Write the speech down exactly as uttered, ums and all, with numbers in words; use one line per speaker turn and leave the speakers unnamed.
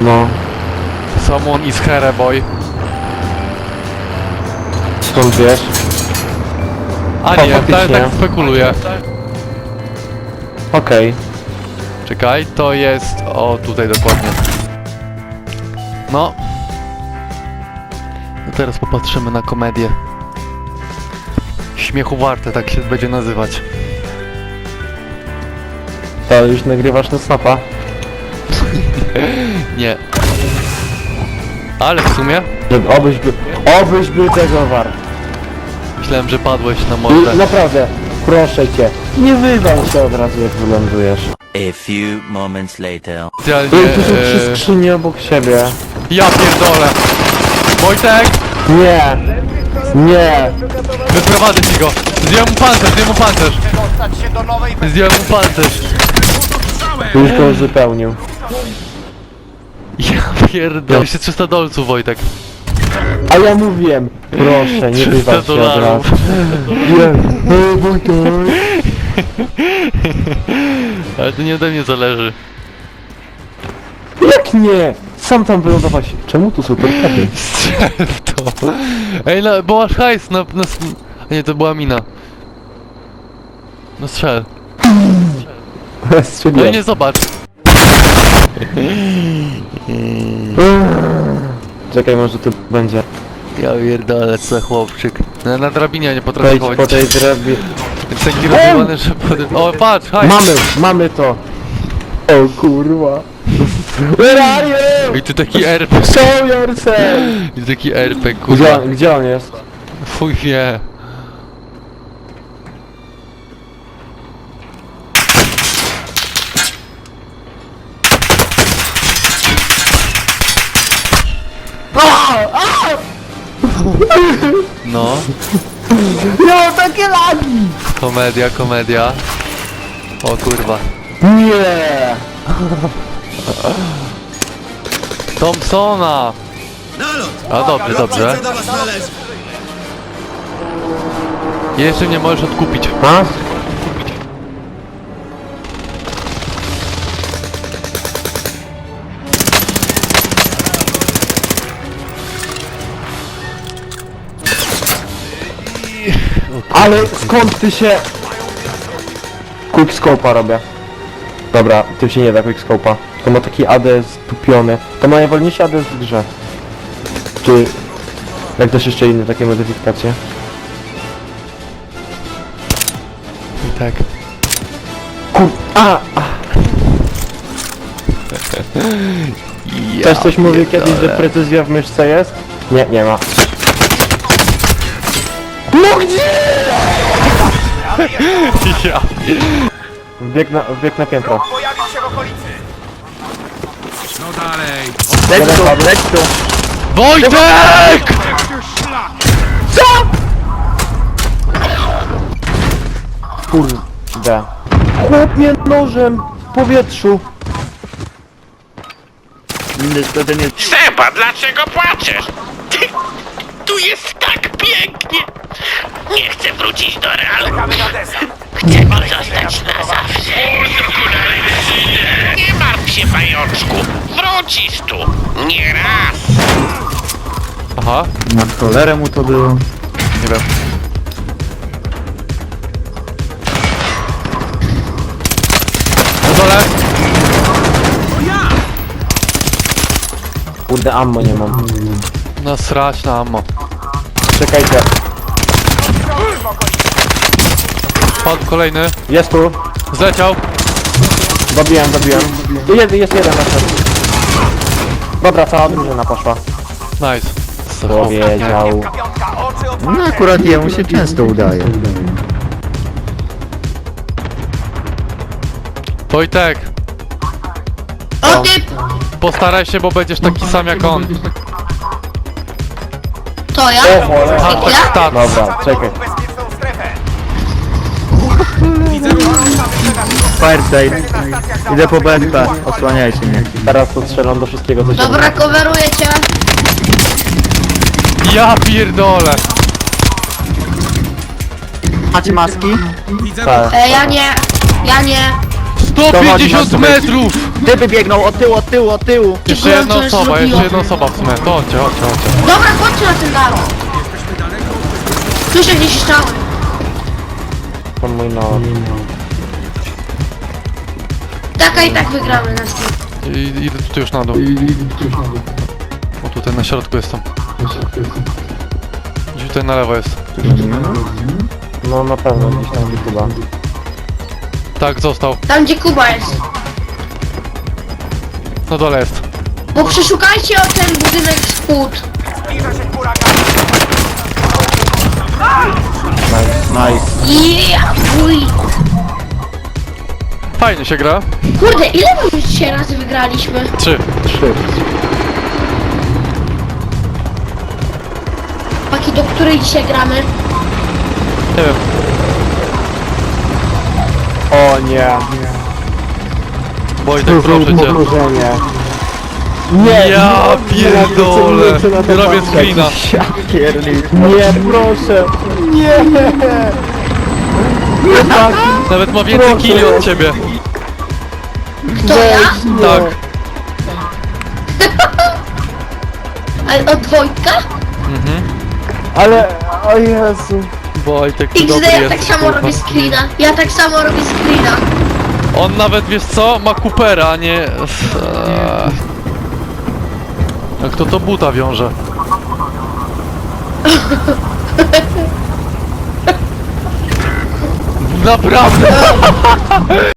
No.
Someone is here, boy.
Skąd wiesz?
A
O,
nie, tak,
faktycznie.
tak spekuluję.
Okej. Okay.
Czekaj, to jest... O, tutaj dokładnie. No. No teraz popatrzymy na komedię. Śmiechu warte, tak się będzie nazywać.
To już nagrywasz na snapa?
Nie. Ale w sumie
Żeby obyś był... Obyś był tego wart.
myślałem, że padłeś na mordę.
I naprawdę, proszę cię. Nie wywal się od razu, jak wylądujesz.
A few moments later.
Specjalnie...
Ej, tu są trzy
E...
skrzynie obok siebie.
Ja pierdolę! Wojtek!
Nie! Nie!
Wyprowadzę ci go! Zdjąłem mu pancerz, zdjąłem mu pancerz! Zdjąłem mu pancerz!
Już go uzupełnił.
Ja pierdolę. Jeszcze trzysta dolców, Wojtek.
A ja mówiłem, proszę, nie wywal się od razu.
dolarów.
Nie, o, Wojtek.
Ale to nie ode mnie zależy.
Jak nie? Sam tam wylądować. Czemu tu są torpedy?
Strzel w to. Ej, no, bo masz hajs na... na... A nie, to była mina. No strzel. No i
Strzeliłem.
nie zobacz.
Czekaj, może tu będzie.
Ja pierdolę, co chłopczyk. Na, na drabinie nie potrafię
Wejdź
chodzić.
po tej drabinie.
Jest taki rozjebany, że potem... O, patrz, hajs!
Mamy, mamy to. O kurwa. Where are you?
I tu taki R P.
Show yourself.
I tu taki R P,
Gdzie,
kurwa.
on- gdzie on jest?
Fuj wie. No,
No, takie lagi!
komedia, komedia. O kurwa.
Nie!
Thompsona! A dobrze, dobrze. Jeszcze mnie możesz odkupić.
A? Ale skąd ty się... Quickscope'a robię. Dobra, tym się nie da quickscope'a. To ma taki A D stupiony. To ma najwolniejszy A D w grze. Czy... Jak też jeszcze inne takie modyfikacje?
I tak.
Kur... A! a.
Ja
Też coś mówił kiedyś, że
pierdolę.
precyzja w myszce jest? Nie, nie ma. No gdzie?
Ja.
Wbieg na, wbieg na piętro.
Pojawił się w okolicy.
Leć tu, leć tu.
Wojtek!
Kurde. Chłop mnie nożem w powietrzu.
Seba, dlaczego płaczesz? Tu jest tak pięknie. Nie chcę wrócić do realu.
Czekamy na desant.
Chcę tu zostać na zawsze. Nie martw się, pajączku. Wrócisz tu. Nie raz.
Aha,
Na cholerę mu to było.
nie wiem. Na dole!
Kurde, ammo nie mam.
No srać na ammo.
Czekajcie.
Padł kolejny.
Jest tu.
Zleciał.
Dobiłem, dobiłem. Jest, jest jeden na środku. Dobra, cała drużyna poszła.
Nice.
Powiedział.
Piątka, oczy
No
otwarte.
akurat jemu się często udaje.
Wojtek,
O ty!
postaraj się, bo będziesz taki sam jak on.
To ja?
O cholera.
Hashtag
Ja?
stat.
Dobra, czekaj.
Bezpieczną strefę.
Fireside. Idę po B S P. Osłaniajcie mnie.
Teraz to strzelam do wszystkiego, co się
Dobra, coveruję cię.
Ja pierdolę.
Macie maski?
Tak.
E, ja nie. Ja nie.
sto pięćdziesiąt metrów!
Typy biegną od tyłu, od tyłu, od tyłu.
Jeszcze
Dziękuję,
jedna
co już
osoba, jeszcze
zrobiłam.
jedna osoba w sumie. To chodźcie, chodźcie, chodźcie.
Dobra, chodźcie na ten dach. Słyszę gdzieś strzały.
To mój no.
Taka i tak wygramy na tym.
I, idę tutaj już na dół. O, tutaj na środku jestem. Gdzieś tutaj na lewo jest.
No na pewno gdzieś tam chyba.
Tak, został.
Tam gdzie Kuba jest.
Na dole jest.
Bo przeszukajcie o ten budynek z płód.
Zbliża się huragan.
Nice.
Yeah, wuj.
Fajnie się gra.
Kurde, ile my już dzisiaj razy wygraliśmy?
Trzy.
Trzy.
Paki, do której dzisiaj gramy?
Nie wiem.
O nie.
Wojtek, proszę cię.
Powtórzenie. Nie,
Ja
nie,
pierdolę.
nie chcę na to
Robię
patrzeć.
screena.
Ja piernik.
Nie, proszę. Nie.
Nawet ma więcej
Proszę.
killi od ciebie.
To ja?
Tak.
Ale od Wojtka?
Ale, o Jezu.
Wojtek, ty
X
dobry
D, ja
jesteś,
tak samo
kurwa.
robię screena. Ja tak samo robię screena.
On nawet, wiesz co, ma Coopera, a nie... Eee. A kto to buta wiąże? Naprawdę!